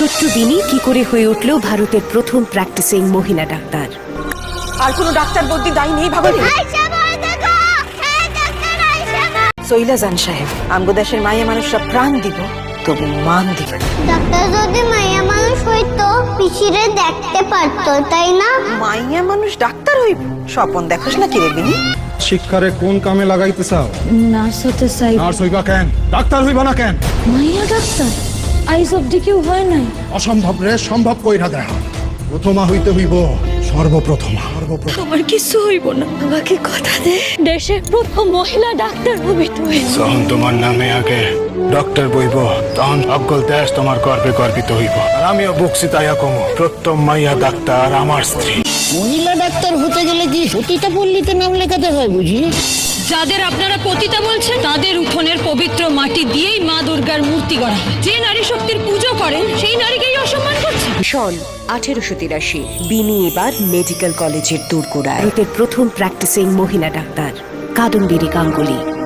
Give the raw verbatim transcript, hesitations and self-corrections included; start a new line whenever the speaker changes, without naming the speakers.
ছোট্ট বিনি কি করে হয়ে উঠল ভারতের প্রথম প্র্যাকটিসিং মহিলা ডাক্তার।
আর কোনো ডাক্তার বদ্যি দায়ী নেই ভাবি। সইলা জান সাহেব, আমগো দেশের মাইয়া মানুষরা প্রাণ দিব তবু মান দিব।
ডাক্তার যদি মাইয়া মানুষ হইতো পিছিরে দেখতে পারতো, তাই না?
মাইয়া মানুষ ডাক্তার হইব? স্বপন দেখোস না কি রে বিনি?
শিক্ষারে কোন কামে লাগাইতে চাও?
নার্স হতে চাই।
নার্স হইবা কেন? ডাক্তার হইবা না কেন?
মাইয়া ডাক্তার আইস অব্দি কেউ হয় নাই।
অসম্ভব রে সম্ভব কইরা দেখ। প্রথমা হইতে হইব সর্বপ্রথমা। সর্বপ্রথম
আমার কিছু হইব না, আমাকে কথা দে দেশের প্রথম মহিলা ডাক্তার হবি তুই।
যখন তোমার নামে আগে ডক্টর বইব তখন অজ্ঞল দেশ তোমার গর্বে গর্বিত হইব। আর আমিও বকছি তাইয়া কমো, প্রথম মাইয়া ডাক্তার আমার স্ত্রী।
মহিলা ডাক্তার হতে গেলে কি সতীতা পল্লীতে নাম লেখাতে হয় বুঝি?
যাদের আপনারা পতিতা বলছেন তাদের উঠোনের পবিত্র মাটি দিয়েই মা দুর্গার মূর্তি গড়া হয়। যে নারী শক্তির পুজো করেন সেই নারীকেই অসম্মান করছে।
সন আঠেরোশো তিরাশি বিনি এবার মেডিকেল কলেজের দোরগোড়ায় ভারতের প্রথম প্র্যাকটিসিং মহিলা ডাক্তার কাদম্বিনী গাঙ্গুলি।